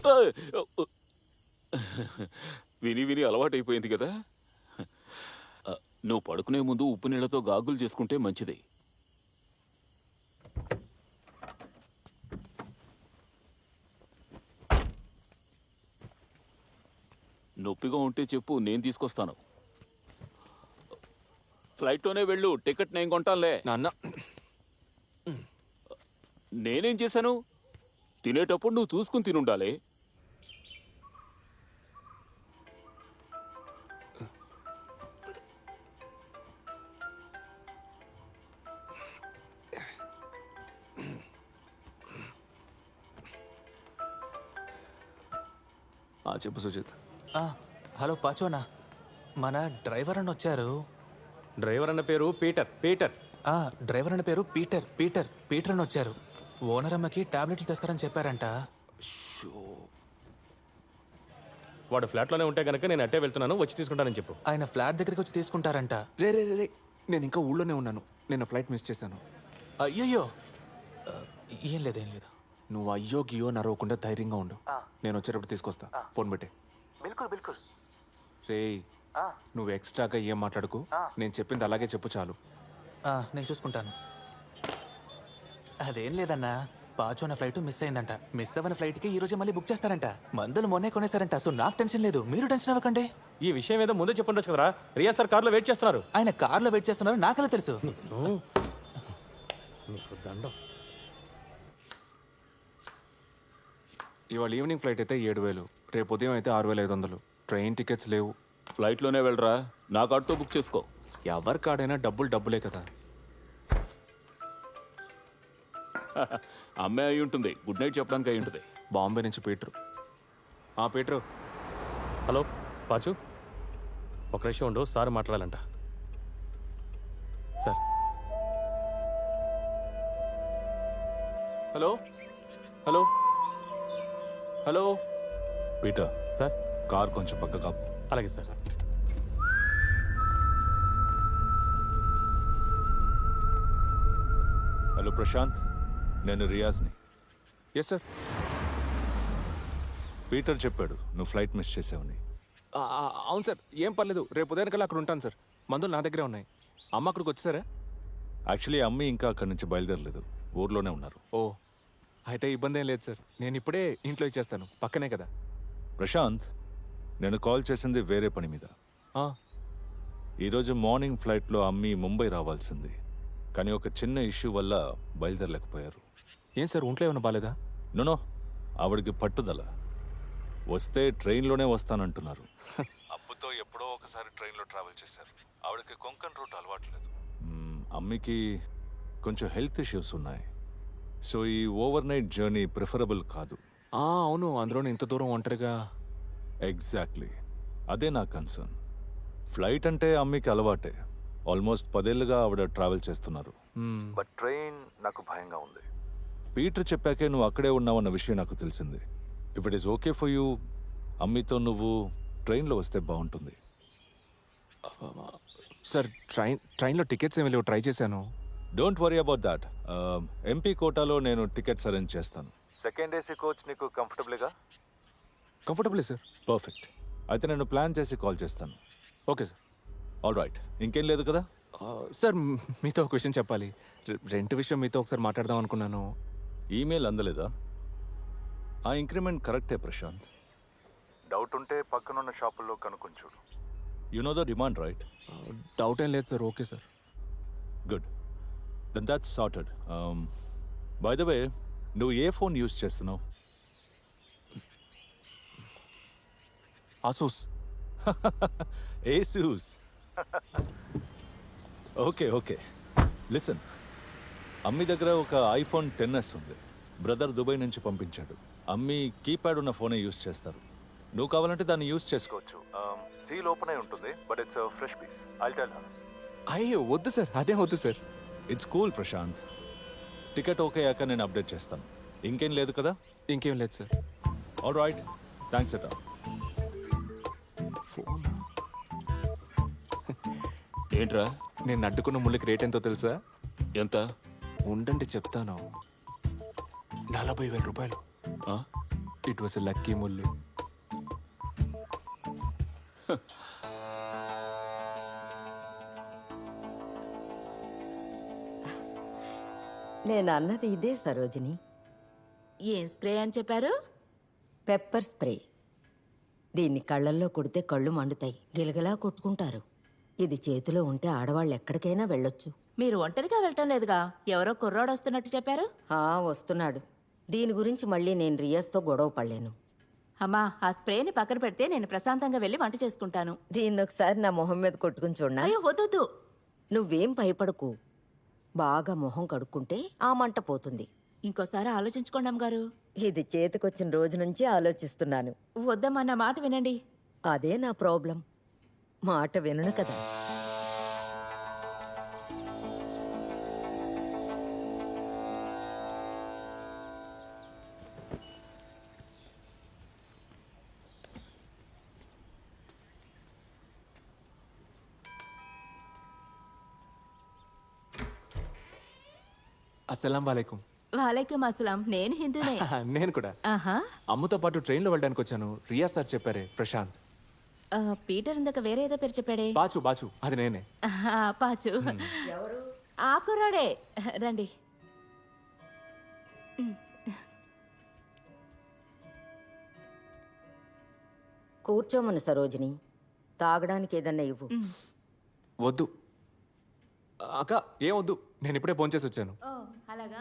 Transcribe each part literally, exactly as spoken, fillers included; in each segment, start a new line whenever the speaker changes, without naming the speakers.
విని విని అలవాటైపోయింది కదా. నువ్వు పడుకునే ముందు ఉప్పు నీళ్లతో గాగులు చేసుకుంటే మంచిది. నొప్పిగా ఉంటే చెప్పు, నేను తీసుకొస్తాను. ఫ్లైట్లోనే వెళ్ళు, టికెట్ నేను కొంటానులే.
నాన్న
నేనేం చేశాను? తినేటప్పుడు నువ్వు చూసుకుని తినుండాలి.
చెప్పు సుజిత్.
హలో పాచోనా, మన డ్రైవర్ అని వచ్చారు.
డ్రైవర్ అన్న పేరు పీటర్. పీటర్
డ్రైవర్ అన్న పేరు పీటర్. పీటర్ పీటర్ అని వచ్చారు. ఓనర్ అమ్మకి టాబ్లెట్లు తెస్తారని చెప్పారంట.
వాడు ఫ్లాట్లోనే ఉంటే కనుక నేను అట్టే వెళ్తున్నాను, వచ్చి తీసుకుంటానని చెప్పు.
ఆయన ఫ్లాట్ దగ్గరికి వచ్చి తీసుకుంటారంట.
రే రే రే నేను ఇంకా ఊళ్ళోనే ఉన్నాను. నేను ఫ్లైట్ మిస్ చేశాను.
అయ్యయ్యో, ఏం లేదు ఏం లేదు.
నువ్వు అయ్యో గియో నరవకుండా ధైర్యంగా ఉండు. నేను వచ్చేటప్పుడు తీసుకొస్తా. ఫోన్ పెట్టే.
బిల్కుల్ బిల్కుల్.
రే నువ్వు ఎక్స్ట్రాగా ఏం మాట్లాడుకు. నేను చెప్పింది అలాగే చెప్పు చాలు.
నేను చూసుకుంటాను. అదేం లేదన్నా, పాచోన ఫ్లైట్ మిస్ అయిందంట. మిస్ అవ్వని ఫ్లైట్కి ఈ రోజు మళ్ళీ బుక్ చేస్తారంట. మందులు మొన్నే కొనేసారంట. సో నాకు టెన్షన్ లేదు, మీరు టెన్షన్ అవ్వకండి.
ఈ విషయం ఏదో ముందే చెప్పండి కదరా. రియా సార్ కార్లో వెయిట్ చేస్తున్నారు.
ఆయన కార్లో వెయిట్ చేస్తున్నారు, నాకలా తెలుసు.
దండం.
ఇవాళ ఈవినింగ్ ఫ్లైట్ అయితే ఏడు వేలు, రేపు ఉదయం అయితే ఆరు వేల ఐదు వందలు. ట్రైన్ టికెట్స్ లేవు.
ఫ్లైట్లోనే వెళ్ళరా, నా కార్డుతో బుక్ చేసుకో.
ఎవరి కాడైనా డబ్బులు డబ్బులే కదా.
అమ్మాయి అయి ఉంటుంది, గుడ్ నైట్ చెప్పడానికి అయి ఉంటుంది.
బాంబే నుంచి పీటరు. ఆ పీటరు.
హలో పాచు, ఒక నిమిషం ఉండు, సార్ మాట్లాడాలంట. Sir.
Hello hello hello
Peter.
Sir.
Car కొంచెం పక్క కాపు.
అలాగే సార్.
హలో ప్రశాంత్, నేను రియాజ్ని.
Yes sir.
పీటర్ చెప్పాడు నువ్వు ఫ్లైట్ మిస్ చేసావని.
అవును సార్, ఏం పర్లేదు. రేపు ఉదయానికల్లా అక్కడ ఉంటాను సార్. మందులు నా దగ్గరే ఉన్నాయి. అమ్మ అక్కడికి వచ్చేసారా?
యాక్చువల్లీ అమ్మి ఇంకా అక్కడి నుంచి బయలుదేరలేదు, ఊర్లోనే ఉన్నారు.
ఓ అయితే ఇబ్బంది ఏం లేదు సార్. నేను ఇప్పుడే ఇంట్లో ఇచ్చేస్తాను, పక్కనే కదా.
ప్రశాంత్, నేను కాల్ చేసింది వేరే పని మీద. ఈరోజు మార్నింగ్ ఫ్లైట్లో అమ్మి ముంబై రావాల్సింది, కానీ ఒక చిన్న ఇష్యూ వల్ల బయలుదేరలేకపోయారు.
ఏం సార్, ఒంట్లో ఏమైనా బాలేదా?
నోనో, ఆవిడకి పట్టుదల. వస్తే ట్రైన్లోనే వస్తానంటున్నారు. అబ్బుతో ఎప్పుడో ఒకసారి ట్రైన్లో ట్రావెల్ చేశారు. ఆవిడకి కొంకన్ రూట్ అలవాట్లేదు. అమ్మికి కొంచెం హెల్త్ ఇష్యూస్ ఉన్నాయి. సో ఈ ఓవర్ నైట్ జర్నీ ప్రిఫరబుల్ కాదు.
అవును, అందులోనే ఇంత దూరం ఒంటరిగా.
ఎగ్జాక్ట్లీ, అదే నా కన్సర్న్. ఫ్లైట్ అంటే అమ్మికి అలవాటే. ఆల్మోస్ట్ పదేళ్ళుగా ఆవిడ ట్రావెల్ చేస్తున్నారు. బట్ ట్రైన్ నాకు భయంగా ఉంది. పీటర్ చెప్పాకే నువ్వు అక్కడే ఉన్నావన్న విషయం నాకు తెలిసింది. If it is okay for you, అమ్మితో నువ్వు ట్రైన్లో వస్తే బాగుంటుంది.
సార్, ట్రైన్ ట్రైన్లో టికెట్స్ ఏమి లేవు, ట్రై చేశాను.
Don't worry about that. MP కోటాలో నేను టికెట్స్ అరేంజ్ చేస్తాను. సెకండ్ ఏసీ కోచ్ నీకు కంఫర్టబుల్గా?
Comfortable sir.
పర్ఫెక్ట్. అయితే నేను ప్లాన్ చేసి కాల్ చేస్తాను.
Okay sir.
ఆల్ రైట్, ఇంకేం లేదు కదా?
సార్, మీతో ఒక విషయం చెప్పాలి. రెంట్ విషయం మీతో ఒకసారి మాట్లాడదాం అనుకున్నాను.
ఈమెయిల్ అందలేదా? ఆ ఇంక్రిమెంట్ కరెక్టే ప్రశాంత్. డౌట్ ఉంటే పక్కనున్న షాపుల్లో కనుక్కొని చూడు. You know the demand right?
Doubt ఏం లేదు sir. Okay sir.
Good, then that's sorted. By the way, నువ్వు ఏ ఫోన్ యూజ్ చేస్తున్నావు?
Asus.
Asus. Okay okay, listen. అమ్మి దగ్గర ఒక ఐఫోన్ టెన్ ఎస్ ఉంది. బ్రదర్ దుబాయ్ నుంచి పంపించాడు. అమ్మి కీప్యాడ్ ఉన్న ఫోనే యూజ్ చేస్తారు. నువ్వు కావాలంటే దాన్ని యూజ్ చేసుకోవచ్చు. సీల్ ఓపెన్ అయి ఉంటుంది, but it's fresh piece. I'll tell her.
అయ్యో వద్దు సార్, అదే వద్దు sir.
It's cool Prashanth. Ticket okay అయ్యాక నేను అప్డేట్ చేస్తాను. ఇంకేం లేదు కదా?
ఇంకేం లేదు సార్.
ఆల్ రైట్, థ్యాంక్స్ అట.
ఫోన్
ఏంట్రా?
నేను అడ్డుకున్న ముళ్ళకి రేట్ ఎంతో తెలుసా?
ఎంత?
ఉండండి చెప్తాను. నలభై వేల రూపాయలు. ఇట్ వాస్ ఎ లక్కీ ముల్లి.
నేను అన్నది ఇదే సరోజిని.
ఏం స్ప్రే అని చెప్పారు?
Pepper spray. దీన్ని కళ్ళల్లో కొడితే కళ్ళు మండుతాయి, గిలగలా కొట్టుకుంటారు. ఇది చేతిలో ఉంటే ఆడవాళ్ళు ఎక్కడికైనా వెళ్ళొచ్చు.
మీరు ఒంటరిగా వెళ్ళటం లేదుగా, ఎవరో కుర్రాడు వస్తున్నట్టు చెప్పారు.
ఆ వస్తున్నాడు. దీని గురించి మళ్ళీ నేను రియాజ్తో గొడవ పడలేను.
అమ్మా, ఆ స్ప్రేని పక్కన పెడితే నేను ప్రశాంతంగా వెళ్ళి వంట చేసుకుంటాను.
దీన్ని ఒకసారి నా మొహం మీద కొట్టుకుని చూడనా?
అయ్యో వద్దు.
నువ్వేం భయపడకు. బాగా మొహం కడుక్కుంటే ఆ మంట పోతుంది.
ఇంకోసారి ఆలోచించుకోండి అమ్మగారు.
ఇది చేతికొచ్చిన రోజు నుంచి ఆలోచిస్తున్నాను.
వద్దమ్మా, నా మాట వినండి.
అదే నా ప్రాబ్లం. మాట వినను కదా.
అస్సలం వాలేకుం.
వాలేకుం అస్సలాం. నేను హిందూనే.
నేను కూడా
ఆహా.
అమ్మతో పాటు ట్రైన్లో వెళ్ళడానికి వచ్చాను. రియా సార్ చెప్పారే, ప్రశాంత్.
ఆ, పీటర్ ఇందాక వేరే ఏదో పేరు చెప్పాడే.
బాచు బాచు అది నేనే.
ఆహా, పాచు. ఆ కుర్రాడే. రండి.
కూర్చోమను సరోజిని. తాగడానికి ఏదన్నా ఇవ్వు.
వద్దు అక్క, ఏం వద్దు. నేను ఇప్పుడే భోంచేసి వచ్చాను.
ఓ అలాగా.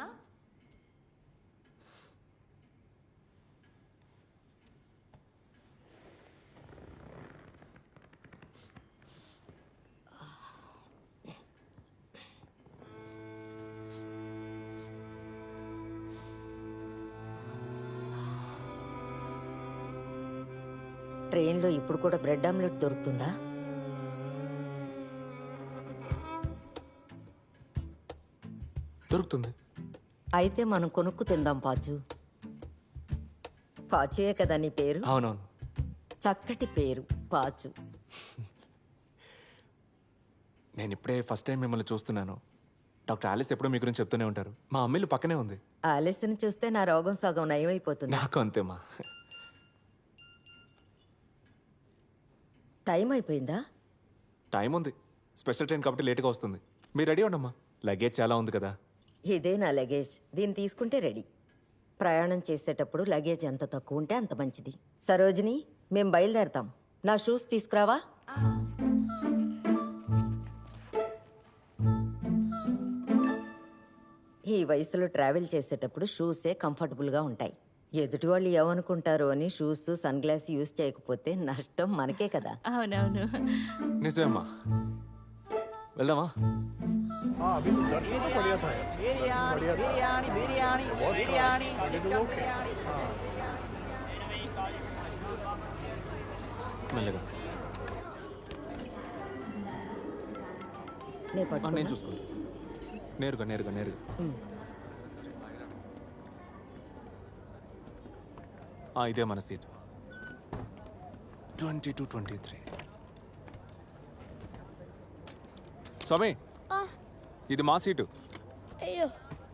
ట్రైన్లో ఇప్పుడు కూడా బ్రెడ్ ఆమ్లెట్ దొరుకుతుందా?
దొరుకుతుంది.
అయితే మనం కొనుక్కు తిందాం పాచు. పాచుయే కదా నీ పేరు?
అవునవును.
చక్కటి పేరు పాచు.
నేను ఇప్పుడే ఫస్ట్ టైం మిమ్మల్ని చూస్తున్నాను. డాక్టర్ ఆలిస్ ఎప్పుడూ మీ గురించి చెప్తూనే ఉంటారు. మా అమ్మిల్లు పక్కనే ఉంది.
ఆలస్యను చూస్తే నా రోగం సగం నయమైపోతుంది.
నాకు అంతేమా.
టైం అయిపోయిందా?
టైం ఉంది. స్పెషల్ ట్రైన్ కాబట్టి లేట్గా వస్తుంది. మీరు రెడీ ఉండమ్మా, లగేజ్ చాలా ఉంది కదా.
ఇదే నా లగేజ్. దీన్ని తీసుకుంటే రెడీ. ప్రయాణం చేసేటప్పుడు లగేజ్ ఎంత తక్కువ ఉంటే అంత మంచిది. సరోజిని, మేం బయలుదేరతాం. నా షూస్ తీసుకురావా? ఈ వయసులో ట్రావెల్ చేసేటప్పుడు షూసే కంఫర్టబుల్గా ఉంటాయి. ఎదుటి వాళ్ళు ఏమనుకుంటారో అని షూస్, సన్ గ్లాస్ యూజ్ చేయకపోతే నష్టం మనకే కదా.
అవునవును.
నిజమేమ్మా. వెళ్దామా? మెల్లగా.
నే
ఆ,
పట్టుకోనా?
నేను చూసుకోండి. నేరుగా నేరుగా నేరుగా.
ఉమ్.
ఆ, ఇదే మన seat. Twenty two twenty three. స్వామి, ఇది మా సీటు.
అయ్యో,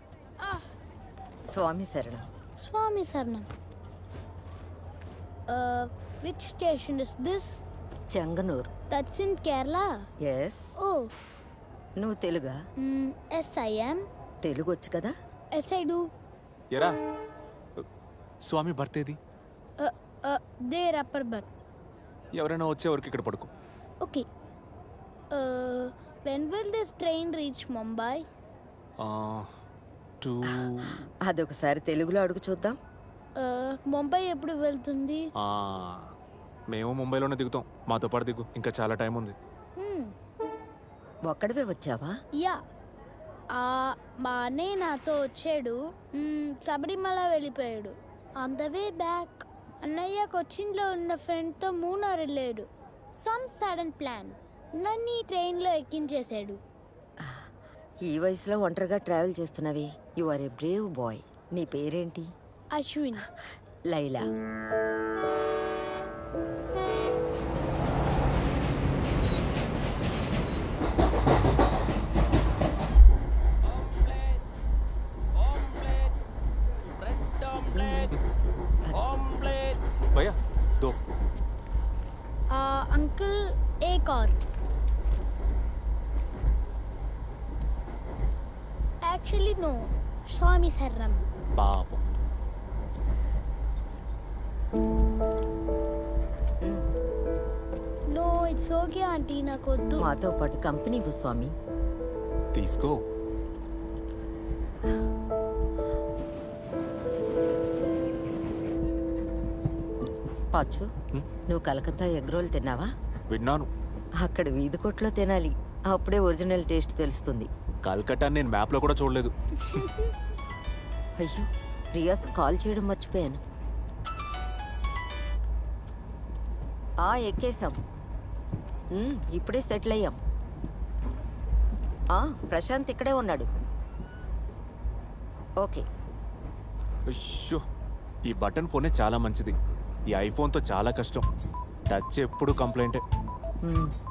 స్వామి శరణం.
స్వామి శరణం. Which station is this?
Chengannur.
That's in Kerala.
Yes.
ఓ,
నువ్వు తెలుగా?
Yes I am.
తెలుగు వచ్చు కదా?
Yes I do.
ఎరా స్వామి బర్తేది?
There upper berth.
ఎవరైనా వచ్చే వరకు ఇక్కడ పడుకో.
Okay. When will this train reach Mumbai?
Two.
అదొకసారి తెలుగులో అడుగు చూద్దాం.
ముంబై ఎప్పుడు వెళ్తుంది?
మేము ముంబైలోనే దిగుతాం. మాతో పాటు దిగు, ఇంకా చాలా టైం ఉంది.
ఒక్కడివే వచ్చావా?
యా, మా అన్నయ్య నాతో వచ్చాడు. మ్మ్, శబరిమల వెళ్ళిపోయాడు. ఆన్ ద వే బ్యాక్ అన్నయ్య కొచ్చిన్లో ఉన్న ఫ్రెండ్తో మూనార్ వెళ్ళాడు. సమ్ సడన్ ప్లాన్ నన్ను ఈ ట్రైన్లో ఎక్కించేశాడు.
ఈ వయసులో ఒంటరిగా ట్రావెల్ చేస్తున్నవి. You are a brave boy. నీ పేరేంటి?
అశ్విన్.
లైలా.
భయ్యా దో
అంకుల్ ఏ కార్ యాక్చువల్లీ నో స్వామి శరణం
పాపం
నో ఇట్స్ ఓకే ఆంటీ నాకు వద్దు.
మాతో పాటు కంపెనీ ఇవ్వు స్వామి.
తీసుకో.
పాచు నువ్వు కలకత్తా ఎగ్ రోల్ తిన్నావా?
విన్నాను.
అక్కడ వీధి కొట్లో తినాలి, అప్పుడే ఒరిజినల్ టేస్ట్ తెలుస్తుంది.
కల్కట్టా నేను మ్యాప్లో కూడా చూడలేదు.
అయ్యో రియాస్ కాల్ చేయడం మర్చిపోయాను. ఆ ఎక్కేసాం, ఉమ్, ఇప్పుడే సెటిల్ అయ్యాం. ఆ ప్రశాంత్ ఇక్కడే ఉన్నాడు. ఓకే.
అయ్యో ఈ బటన్ ఫోనే చాలా మంచిది. ఈ ఐఫోన్తో చాలా కష్టం. టచ్ ఎప్పుడు కంప్లైంటే.
ఉమ్.